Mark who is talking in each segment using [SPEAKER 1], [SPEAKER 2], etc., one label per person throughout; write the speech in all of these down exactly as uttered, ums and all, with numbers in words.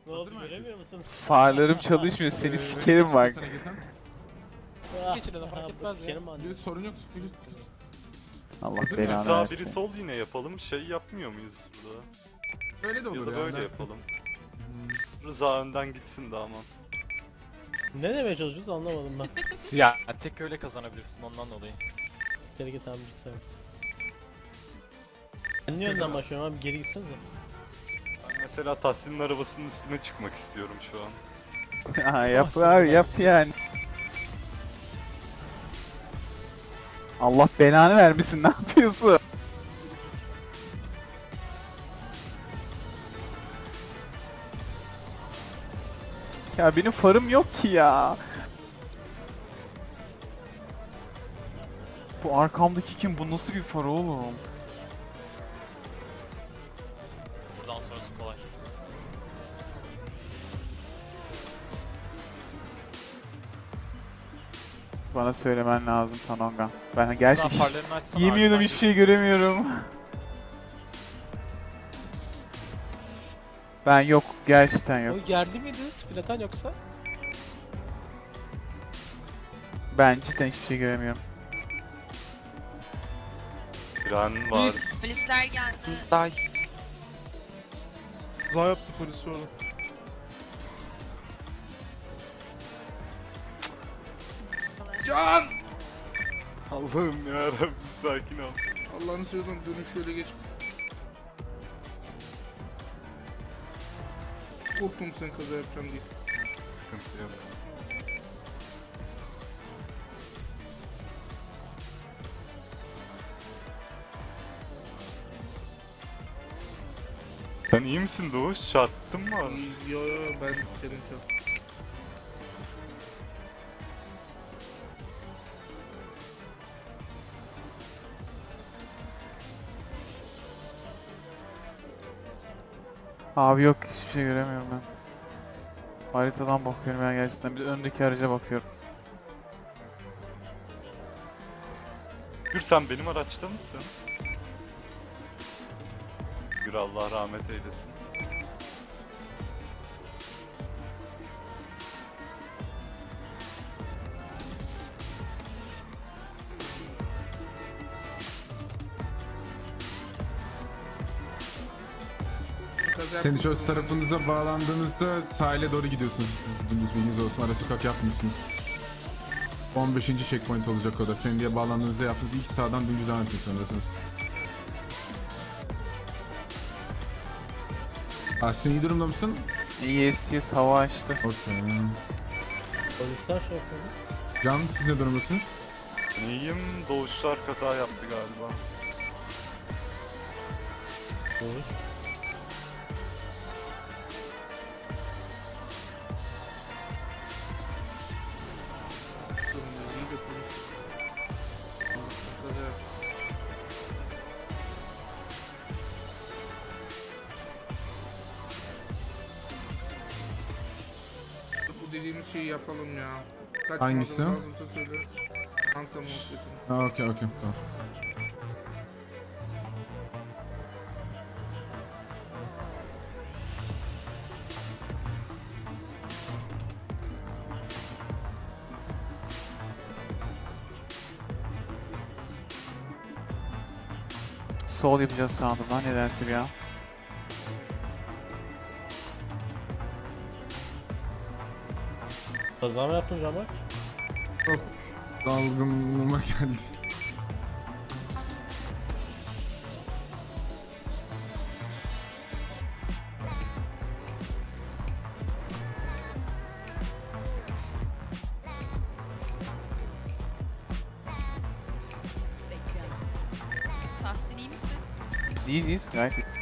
[SPEAKER 1] Ne oldu göremiyor musun?
[SPEAKER 2] Farlarım çalışmıyor, seni sikerim bak.
[SPEAKER 1] Siz geçin ona fark etmez ya.
[SPEAKER 3] Bir sorun yok.
[SPEAKER 2] Allah
[SPEAKER 3] Hazır
[SPEAKER 2] belanı
[SPEAKER 3] mısın?
[SPEAKER 4] Sağ biri
[SPEAKER 2] versin.
[SPEAKER 4] sol yine yapalım. Şey yapmıyor muyuz burada?
[SPEAKER 3] Öyle de
[SPEAKER 4] Ya
[SPEAKER 3] olur
[SPEAKER 4] da
[SPEAKER 3] ya.
[SPEAKER 4] böyle
[SPEAKER 3] ne-
[SPEAKER 4] yapalım. Rıza önden gitsin de aman.
[SPEAKER 1] Ne demeye çalışıyoruz anlamadım ben.
[SPEAKER 5] Ya tek öyle kazanabilirsin ondan dolayı.
[SPEAKER 1] Geri git abi lütfen. Ben niye önden başlıyorum abi, geri gitsenize.
[SPEAKER 4] Ben mesela Tahsin'in arabasının üstüne çıkmak istiyorum şu an.
[SPEAKER 2] Ha, yap abi yap yani. Allah belanı vermesin, ne yapıyorsun? Ya benim farım yok ki ya. Bu arkamdaki kim? Bu nasıl bir far oğlum?
[SPEAKER 5] Buradan sonrası kolay.
[SPEAKER 2] Bana söylemen lazım Tanonga. Ben gerçi hiç,
[SPEAKER 5] farlarını açsana
[SPEAKER 2] yemin ediyorum
[SPEAKER 5] arkadan
[SPEAKER 2] hiçbir şey göremiyorum. Ben yok, gerçekten yok.
[SPEAKER 1] O yerli miydi Splatan yoksa?
[SPEAKER 2] Ben cidden hiçbir şey göremiyorum.
[SPEAKER 4] Fren var.
[SPEAKER 6] Polisler geldi.
[SPEAKER 7] Day.
[SPEAKER 3] Kaza yaptı polis orada. Can!
[SPEAKER 4] Allah'ım yarabbim sakin ol.
[SPEAKER 3] Allah'ını seviyorsan dönüş şöyle geç. Korktum sen kaza yapacağım diye.
[SPEAKER 4] Sıkıntı yok. Sen iyi misin Doğuş? Çarptın mı?
[SPEAKER 3] Yo yo ben dedim çok.
[SPEAKER 2] Abi yok, hiçbir şey göremiyorum ben. Haritadan bakıyorum ben gerçekten. Bir de öndeki araca bakıyorum.
[SPEAKER 4] Gür sen benim araçta mısın? Gür Allah rahmet eylesin.
[SPEAKER 3] Kaza
[SPEAKER 8] Senin
[SPEAKER 3] yaptım.
[SPEAKER 8] çöz tarafınıza bağlandığınızda sahile doğru gidiyorsunuz. Dümdüz bilginiz olsun. Ara sokak yapmıyorsunuz. on beşinci checkpoint olacak o da. Senin diye bağlandığınızda yaptığınız ilk sağdan dümdüz devam etmek zorundasınız. Aslında iyi durumda mısın?
[SPEAKER 2] Yes yes, hava açtı.
[SPEAKER 8] Okey.
[SPEAKER 1] Polisler şey yapıyor.
[SPEAKER 8] Can, siz ne durumdasınız?
[SPEAKER 4] İyiyim. Doğuşlar kaza yaptı galiba.
[SPEAKER 1] Doğuş.
[SPEAKER 3] Durumdayız, iyi de polis. Kaza yaptı. Bu dediğimiz şeyi yapalım ya. Kaç
[SPEAKER 8] Hangisi?
[SPEAKER 3] malzeme lazımsa söyle. Anta muhabbetini.
[SPEAKER 8] Ha, okey okey tamam.
[SPEAKER 2] Sol yapacağız sandım lan nedense bir an.
[SPEAKER 1] Kaza mı yaptın Camal?
[SPEAKER 8] Çok dalgınlığıma geldi.
[SPEAKER 6] Tahsin iyi misin?
[SPEAKER 2] Biz iyiyiz iyiyiz, gayet iyi.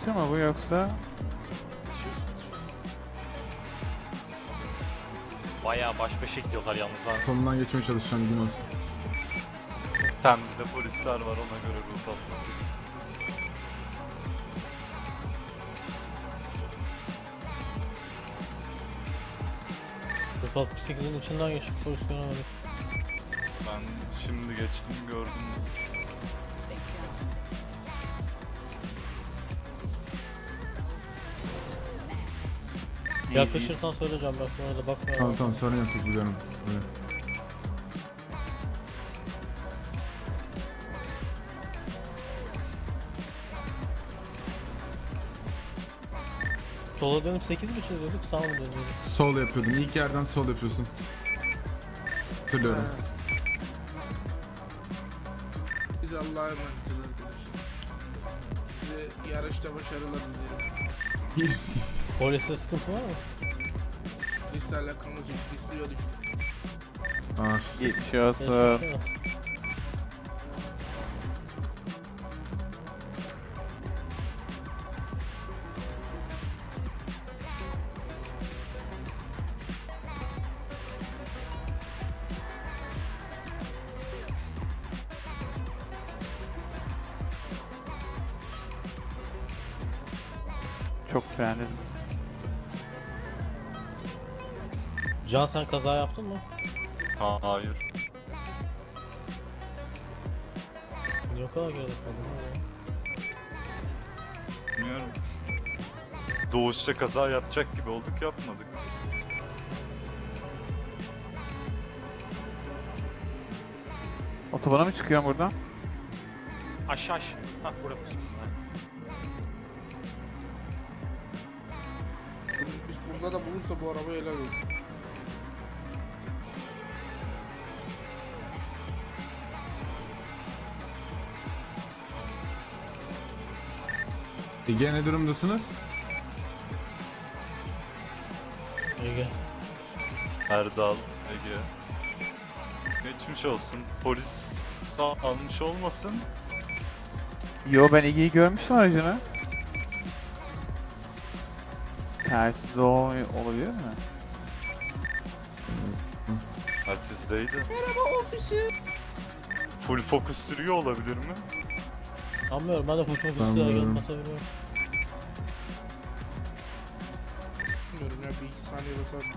[SPEAKER 2] dışı mı bu yoksa?
[SPEAKER 5] Düşüyorsun düşüyorsun. Bayağı baş başa gidiyorlar yalnız ha.
[SPEAKER 8] Sonundan geçmeye çalışacağım gün olsun.
[SPEAKER 4] Temde polisler var ona göre ruh atması.
[SPEAKER 1] altmış sekizin içinden geçip polis göremedik.
[SPEAKER 4] Ben şimdi geçtim gördüm.
[SPEAKER 1] Yaklaşırsan söyleyeceğim bak bu arada bakma.
[SPEAKER 8] Tamam tamam sorun yok biz biliyorum. Evet.
[SPEAKER 1] Sola dönüp sekiz mi çiziyorduk sağ mı dönüyorduk?
[SPEAKER 8] Sol yapıyordun. İlk yerden sol yapıyorsun. Hatırlıyorum.
[SPEAKER 3] Biz Allah'a emanetiz arkadaşlar. Size yarışta başarılar dilerim.
[SPEAKER 8] Yes.
[SPEAKER 1] Poliste sıkıntı var mı?
[SPEAKER 3] Polisle alakamız yok. Biz suya düştük.
[SPEAKER 8] Ah.
[SPEAKER 2] Geçmiş olsun.
[SPEAKER 1] Geçmiş olsun.
[SPEAKER 2] Çok beğendim.
[SPEAKER 1] Can sen kaza yaptın mı?
[SPEAKER 4] Ha, hayır.
[SPEAKER 1] Niye o kadar geride kaldın ya?
[SPEAKER 4] Bilmiyorum. Doğuşça kaza yapacak gibi olduk yapmadık.
[SPEAKER 2] Otobana mı çıkıyorum buradan?
[SPEAKER 5] Aşağı aşağı. Hah burası.
[SPEAKER 3] Biz burada da bulursa bu araba helal olsun.
[SPEAKER 8] Ege ne durumdasınız?
[SPEAKER 1] Ege.
[SPEAKER 4] Erdal, Ege. Geçmiş olsun. Polis sağ almış olmasın.
[SPEAKER 2] Yo ben Ege'yi görmüştüm aracını. Tersiz o olabilir mi?
[SPEAKER 4] Ha sizdeydi. Merhaba ofisi. Full fokus sürüyor olabilir mi?
[SPEAKER 1] Anlıyorum ben de full focus
[SPEAKER 8] Ben
[SPEAKER 1] diye
[SPEAKER 8] biliyorum.
[SPEAKER 1] gelmese biliyorum.
[SPEAKER 3] Bilmiyorum ya bir iki saniye basar.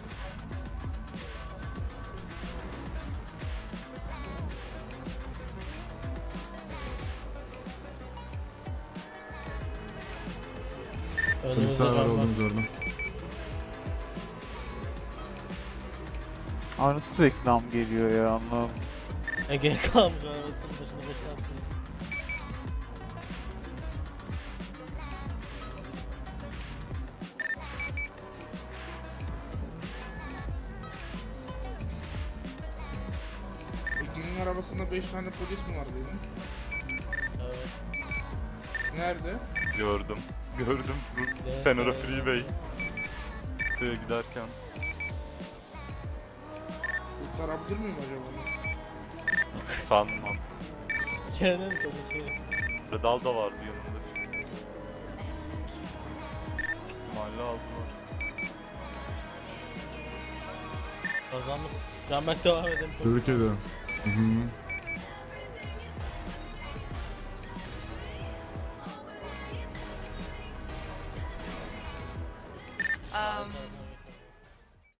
[SPEAKER 1] Önümüzde
[SPEAKER 8] Polisler var
[SPEAKER 1] can var.
[SPEAKER 8] olduğumuz orada.
[SPEAKER 2] Aa nasıl reklam geliyor ya anlamadım.
[SPEAKER 1] Ege kalmış arabasının başını boşalttınız.
[SPEAKER 3] Ege'nin arabasında beş tane polis mi var dedim.
[SPEAKER 1] Evet.
[SPEAKER 3] Nerede?
[SPEAKER 4] Gördüm. Gördüm.
[SPEAKER 1] Evet,
[SPEAKER 4] Senora
[SPEAKER 1] evet.
[SPEAKER 4] Freeway. Suya giderken.
[SPEAKER 3] Kurtarabilir miyim acaba?
[SPEAKER 4] Sanmam.
[SPEAKER 1] Kerem tabii şey.
[SPEAKER 4] Redal da vardı yanında. İhtimalle aldılar.
[SPEAKER 1] Kazandık. Canberk devam edelim.
[SPEAKER 8] Tebrik ederim. Hı hı.
[SPEAKER 6] Um,